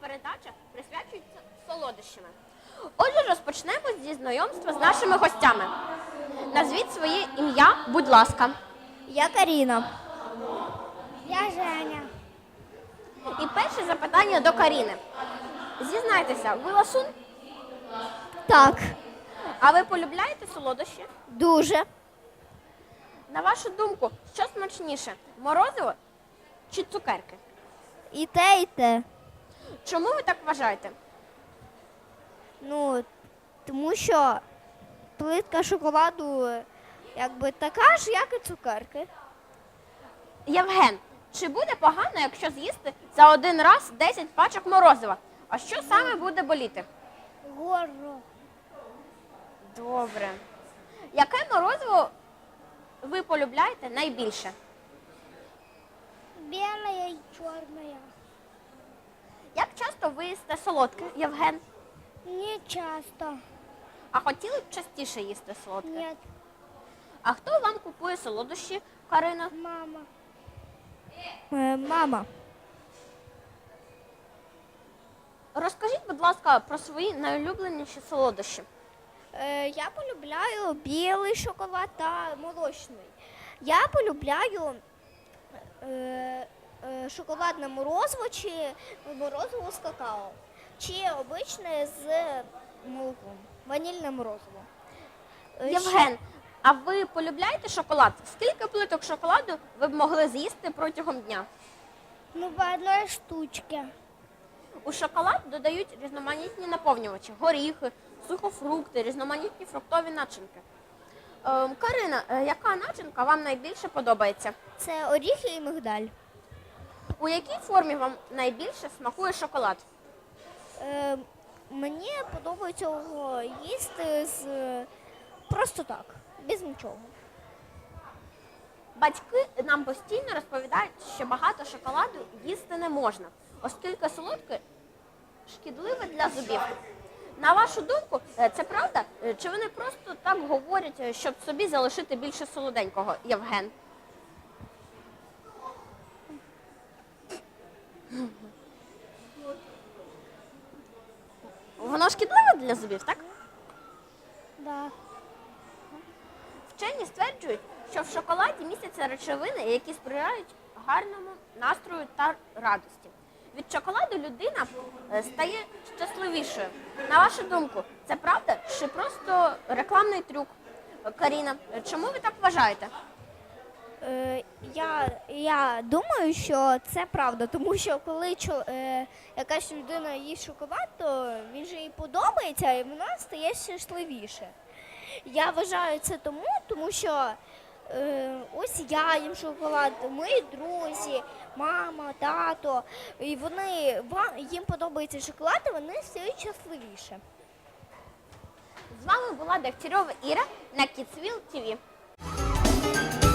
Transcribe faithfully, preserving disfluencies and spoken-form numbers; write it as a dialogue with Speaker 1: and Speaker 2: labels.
Speaker 1: передача присвячується солодощами. Отже, розпочнемо зі знайомства з нашими гостями. Назвіть своє ім'я, будь ласка.
Speaker 2: Я Каріна.
Speaker 3: Я Женя.
Speaker 1: І перше запитання до Каріни. Зізнайтеся, ви ласун?
Speaker 2: Так,
Speaker 1: А ви полюбляєте солодощі?
Speaker 2: дуже.
Speaker 1: На вашу думку, що смачніше? Морозиво чи цукерки?
Speaker 2: І те, і те.
Speaker 1: Чому ви так вважаєте?
Speaker 2: Ну, тому що плитка шоколаду якби така ж, як і цукерки.
Speaker 1: Євген, чи буде погано, якщо з'їсти за один раз десять пачок морозива? А що саме буде боліти?
Speaker 3: Горло.
Speaker 1: Добре. Яке морозиво ви полюбляєте найбільше?
Speaker 3: Белая и черная.
Speaker 1: Як часто ви їсте солодке, Євген?
Speaker 3: Не часто.
Speaker 1: А хотіли б частіше їсти солодке?
Speaker 3: Нет,
Speaker 1: А хто вам купує солодощі, Карина?
Speaker 3: мама.
Speaker 2: Е, мама.
Speaker 1: Розкажіть, будь ласка, про свої найулюбленіші солодощі.
Speaker 2: Е, я полюбляю білий шоколад та молочний. Я полюбляю е, е, шоколадне морозиво чи морозиво з какао. Чи обичне з молоком. Ванільне морозиво. Е,
Speaker 1: Євген, а ви полюбляєте шоколад? Скільки плиток шоколаду ви б могли з'їсти протягом дня?
Speaker 3: Ну, по одной штучке.
Speaker 1: У шоколад додають різноманітні наповнювачі, горіхи, сухофрукти, різноманітні фруктові начинки. Ем, Карина, е, яка начинка вам найбільше подобається?
Speaker 2: Це оріхи і мигдаль.
Speaker 1: У якій формі вам найбільше смакує шоколад?
Speaker 2: Е, мені подобається його їсти з просто так, без нічого.
Speaker 1: Батьки нам постійно розповідають, що багато шоколаду їсти не можна, оскільки солодке шкідливе для зубів. На вашу думку, е, це правда? Е, Чи вони просто так говорять, е, щоб собі залишити більше солоденького, Євген? Воно шкідливе для зубів, так?
Speaker 3: Да.
Speaker 1: Вчені стверджують, що в шоколаді містяться речовини, які сприяють гарному настрою та радості. Від шоколаду людина е, стає щасливішою. На вашу думку, це правда чи просто рекламний трюк? Каріна, чому ви так вважаєте?
Speaker 2: Е, я, я думаю, що це правда, тому що коли чо, е, якась людина їсть шоколад, то він же їй подобається і вона стає щасливіше. Я вважаю це тому, тому що е, ось я їм шоколад, мої друзі, мама, тато, і вони, ва- їм подобається шоколад, і вони стають щасливіше.
Speaker 1: З вами була Дегтярьова Іра на Kidsville ті ві.